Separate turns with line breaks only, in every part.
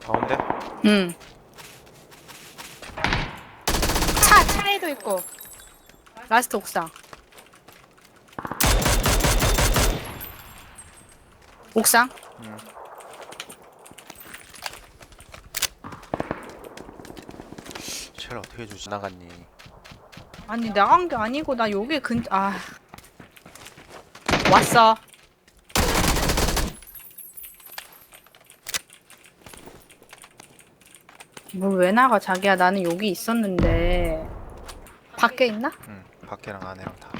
가운데?
응. 차에도 있고. 라스트 옥상. 옥상?
쟤를 어떻게 주지? 나갔니?
아니 나간 게 아니고 나 여기 왔어. 뭘 왜 나가 자기야. 나는 여기 있었는데. 밖에 있나?
응, 밖에랑 안에랑 다.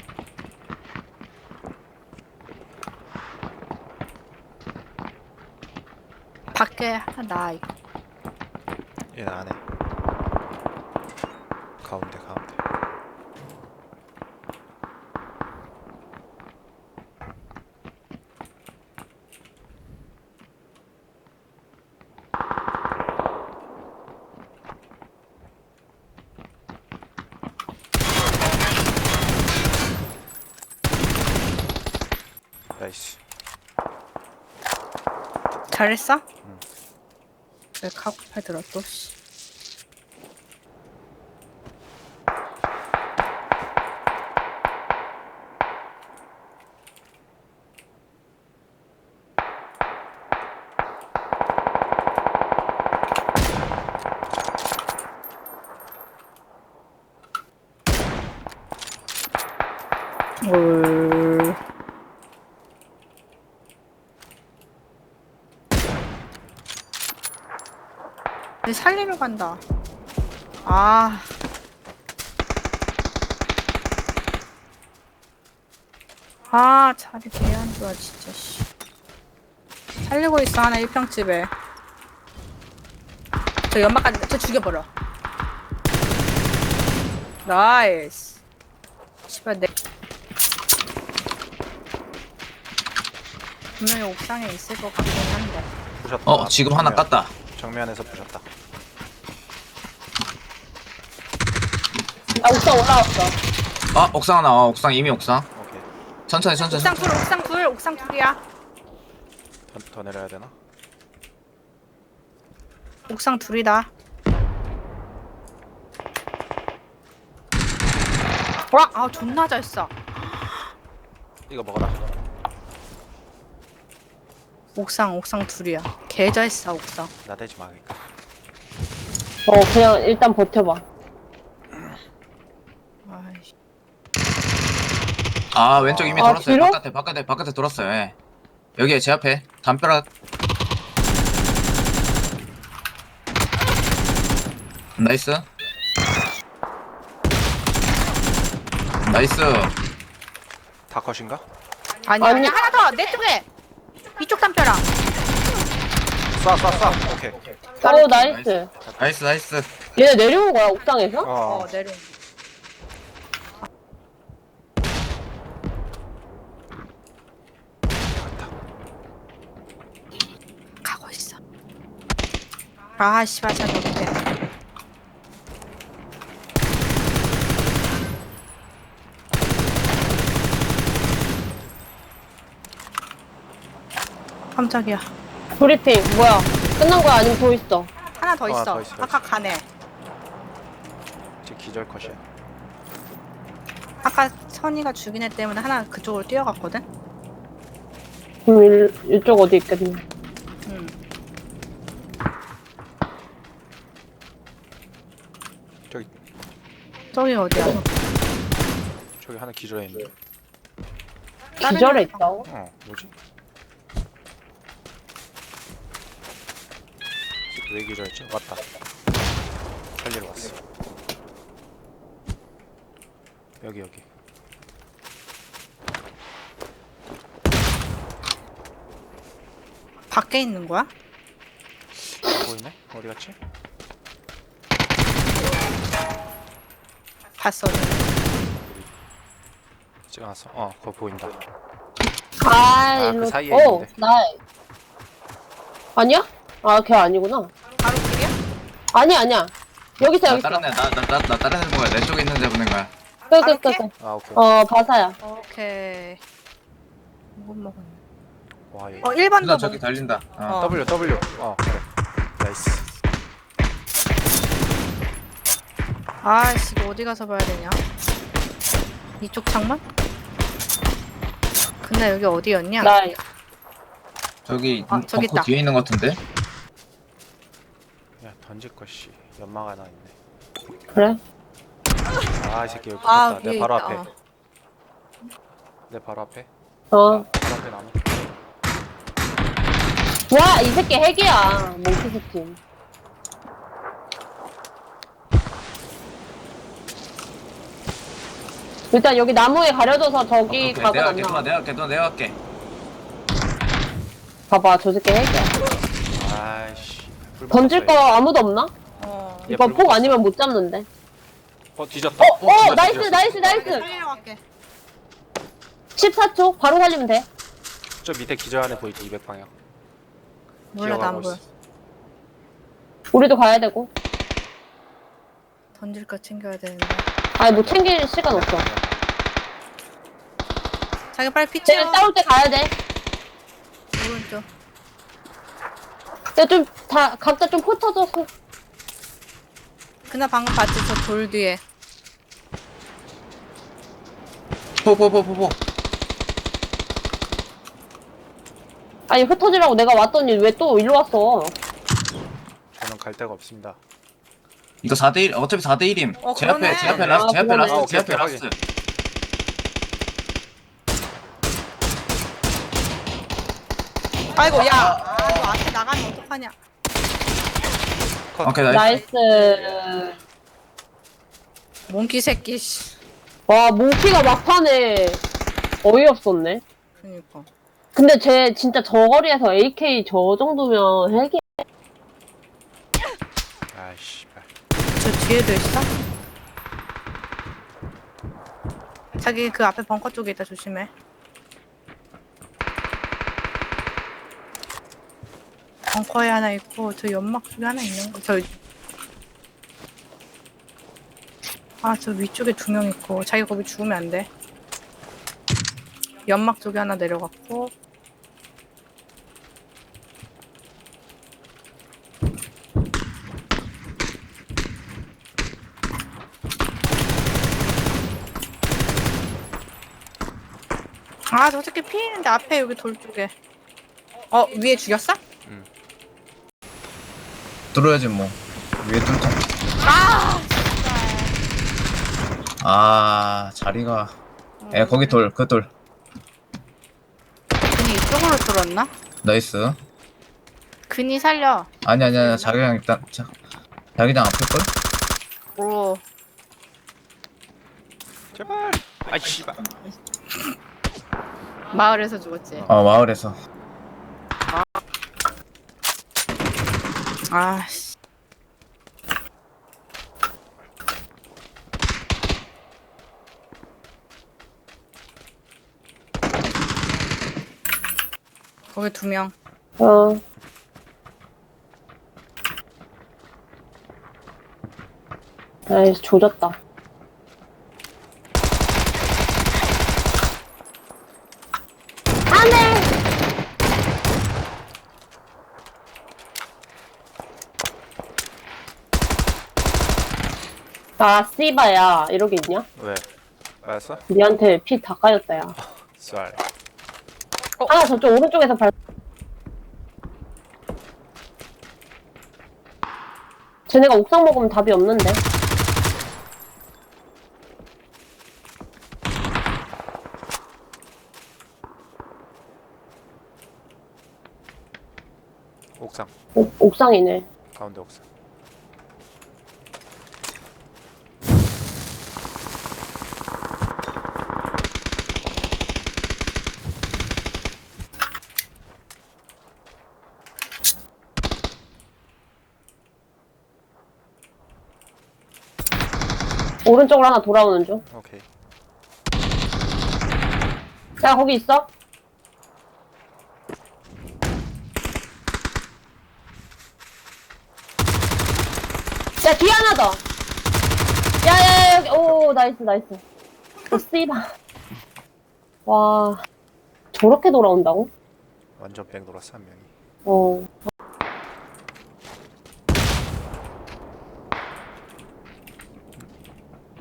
밖에 하나 나 있고.
얘는 안에. 가운데. 나이스.
잘했어?
응.
왜 카고팔 들어 또 씨. 올. 살리러 간다. 자리 개 안 좋아 진짜 씨. 살리고 있어 하나 1평집에. 저 연막까지 저 죽여버려. 나이스. 씨발 내 분명히 옥상에 있을 것 같긴 한데.
부셨다.
지금 하나 깠다.
정면에서 부셨다.
옥상 올라왔어.
옥상 하나. 옥상 이미 옥상.
오케이.
천천히.
옥상 둘이야.
더 내려야 되나?
옥상 둘이다. 와, 존나 잘 쏴.
이거 먹어라.
옥상 둘이야. 개 잘 쏴, 옥상.
나대지 마. 그러니까.
그냥 일단 버텨봐.
아이씨.
왼쪽 이미 돌았어요.
뒤로?
바깥에 돌았어요. 예. 여기 제 앞에 담벼락. 나이스.
다 컷인가?
아니, 하나 더! 내 쪽에! 이쪽 담벼락.
쏴. 오케이.
나이스. 얘네 내려온 거야, 옥상에서?
내려. 가고 있어. 씨발, 잘 못해. 깜짝이야.
브리핑, 뭐야? 끝난 거야? 아니면 더 있어?
하나 더 있어.
더 있어.
아까 가네.
이제 기절 컷이야.
아까 선이가 죽인 애 때문에 하나 그쪽으로 뛰어갔거든?
그럼 이쪽 어디 있겠네.
응. 저기 어디야?
저기 하나 기절해 있네.
기절해 있다고?
뭐지? 왜 기절했지? 왔다. 살리러 왔어. 여기.
밖에 있는 거야?
보이네? 어디 갔지?
봤어.
찍어놨어. 그거 보인다.
일로.
그 사이에 있는데.
아니야? 걔 아니구나.
바로 길이야?
아니야. 여기 있어.
나 다른 애 보야. 내 쪽에 있는 애 보낸 거야.
바로
끝.
오케이.
바사야.
오케이. 못 먹었네.
와, 얘.
1번
누나
더
저기 달린다.
W. 그래. 나이스.
아씨 이거 어디 가서 봐야 되냐? 이쪽 창문? 근데 여기 어디였냐?
나
저기
아, 저기
벙커
있다.
뒤에 있는 것 같은데?
야 던질 것이 연막 하나 있네.
그래?
아 이 새끼 여기
아
붙었다.
위에
내 바로
있다.
앞에.
어.
내 바로 앞에.
어.
바로 앞에 나무.
와, 이 새끼 핵이야. 몽키 새끼. 일단 여기 나무에 가려져서 저기
오케이,
각은
내가
안
할게,
나와.
내가 할게, 내가 할게.
봐봐, 저 새끼 핵이야.
아이씨. 불
던질 거
붙었어,
아무도 없나?
어.
얘
이거
불
폭
붙었어.
아니면 못 잡는데.
얘. 뒤졌다.
나이스,
뒤졌어.
나이스.
살리러 갈게.
14초? 바로 살리면 돼.
저 밑에 기절 안에 보이지 200방향.
몰라 나 안 보여.
우리도 가야 되고.
던질 거 챙겨야 되는데.
아니, 뭐 챙길 시간 없어.
자기 빨리 피
쟤네
채워.
싸울 때 가야 돼.
오른쪽.
근데 좀, 각자 좀 흩어져서.
그나 방금 봤지 저 돌 뒤에.
포.
아니, 흩어지라고 내가 왔더니 왜 또 일로 왔어?
저는 갈 데가 없습니다.
이거 4대1, 어차피 4대1임.
어,
제 앞에,
그러네.
제 앞에 라스트, 제 앞에
그러네.
라스트, 제
오케이,
앞에
오케이,
라스트.
아이고 야. 아, 너 앞에 나가면 어떡하냐.
오케이, 나이스.
나이스.
몽키 새끼 씨.
와, 몽키가 막판에 어이없었네.
그니까.
근데 쟤 진짜 저 거리에서 AK 저 정도면 핵이.
아이씨.
저 뒤에도 있어? 자기 그 앞에 벙커 쪽에 있다 조심해. 벙커에 하나 있고 저 연막 쪽에 하나 있는 거. 저 위쪽에 2명 있고 자기 거기 죽으면 안 돼. 연막 쪽에 하나 내려갔고. 아, 저 새끼 피했는데 앞에 여기 돌 쪽에. 위에 죽였어?
뚫어야지 뭐. 위에 뚫자.
아!
아, 자리가. 거기 돌, 그 돌.
근이 이쪽으로 뚫었나?
나이스.
근이 살려.
아니, 자기장 일단, 자기장 앞일걸?
오.
제발. 아이 씨발.
마을에서 죽었지.
마을에서.
아, 씨. 거기 2명.
어. 아이씨, 조졌다. 안 돼! 아, 씨바야. 이러고 있냐?
왜? 맞았어?
니한테 피 다 까였다, 야.
쌀.
하나 저쪽 오른쪽에서 쟤네가 옥상 먹으면 답이 없는데.
옥상.
옥상이네.
가운데 옥상.
오른쪽으로 하나 돌아오는 중.
오케이.
야, 거기 있어? 야, 뒤에 하나 더! 야, 여기. 오, 나이스. 오, 씨바. 와. 저렇게 돌아온다고?
완전 뺑 돌았어 한 명이.
어.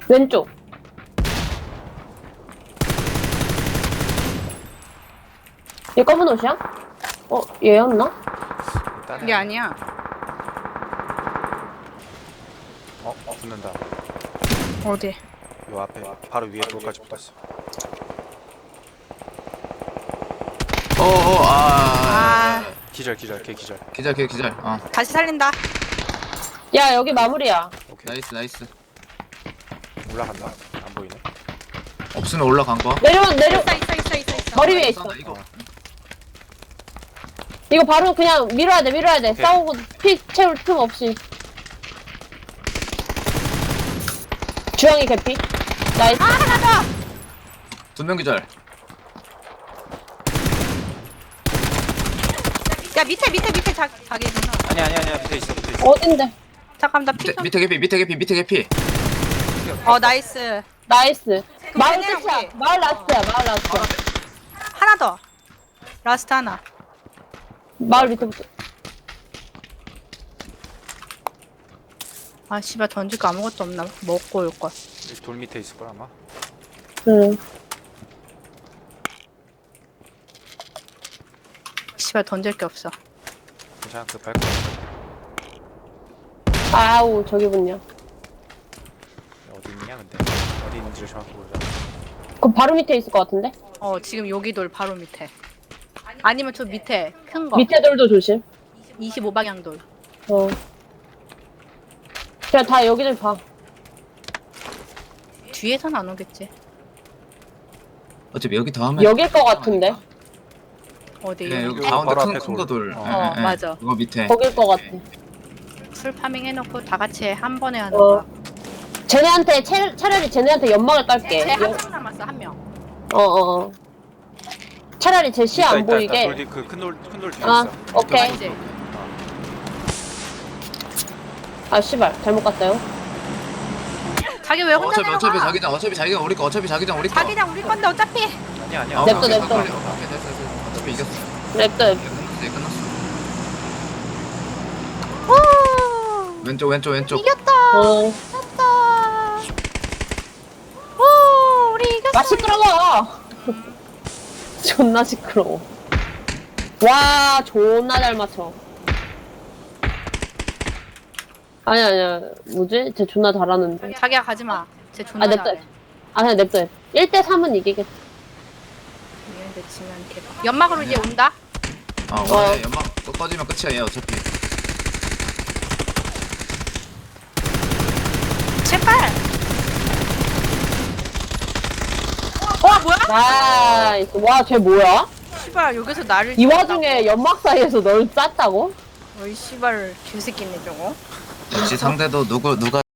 왼쪽. 얘 검은 옷이야? 얘였나?
일단은
이게 아니야.
붙는다.
어디?
요 앞에 바로 위에 돌까지 붙었어.
아.
기절 걔 기절.
기절 기절.
다시 살린다.
야, 여기 마무리야.
오케이.
나이스.
올라간다. 안 보이네.
없으면 올라간 거.
내려.
있어.
머리 위에 있어.
이거.
이거 바로 그냥 밀어야 돼. 싸우고 피 채울 틈 없이. 주황이 개피. 나이스.
하나 더.
2명 기절.
야 밑에 자기구나.
아니야 밑에 있어.
어딘데?
잠깐 나 피 좀.
밑에 개피.
나이스.
나이스. 마을
얘네랑
끝이야.
우리.
마을 라스트야.
하나 더. 라스트 하나.
마을 밑에부터.
아 씨발 던질 거 아무것도 없나? 먹고 올 걸.
돌 밑에 있을 걸 아마.
응.
씨발 던질 게 없어.
괜찮아 그 밟고.
아우, 저기군요.
어디 있냐 근데. 어디 있는지를 정확히 모르잖아.
그럼 바로 밑에 있을 것 같은데?
지금 여기 돌 바로 밑에. 아니면 저 밑에 큰 거.
밑에 돌도 조심.
25방향 돌.
그냥 다 여기를 봐.
뒤에선 안 오겠지.
어차피 여기 다음에.
여길 것 같은데?
어디?
네, 여기
여기
가운데
바로
큰
앞에
거
돌.
돌.
맞아.
그거 밑에.
거길 것 같아.
풀 파밍 해놓고 다 같이 한 번에 하는
어.
거야.
쟤네한테, 차라리 쟤네한테 연막을 깔게.
쟤 한 명 남았어 한 명.
차라리 제 시야 안 보이게.
큰돌 뒤에
아,
있어.
오케이.
맞지?
아, 씨발. 잘못 갔어요.
자기 왜 혼자 내려가?
어차피 자기장 우리 거.
자기장 우리 건데 어차피.
아니야.
냅둬.
오케이, 됐어. 어차피 이겼어.
랩도
끝났어.
오
왼쪽.
이겼다.
어.
이겼다. 오 우리 이겼어.
아, 시끄러워! 존나 시끄러워. 와, 존나 잘 맞춰. 아니야. 뭐지? 쟤 존나 잘하는데.
자기야 가지 마. 쟤 존나
냅둬.
잘해.
그냥 냅둬. 1대3은 이기겠다.
얘한테 지면 개박. 연막으로 이제 온다.
원래 연막 꺼지면 끝이야 얘 어차피.
제발. 뭐야?
나이스. 와, 쟤 뭐야?
씨발 여기서 나를
이 와중에 연막 사이에서 널 쐈다고?
어이 씨발 개새끼네 저거.
역시 상대도 누가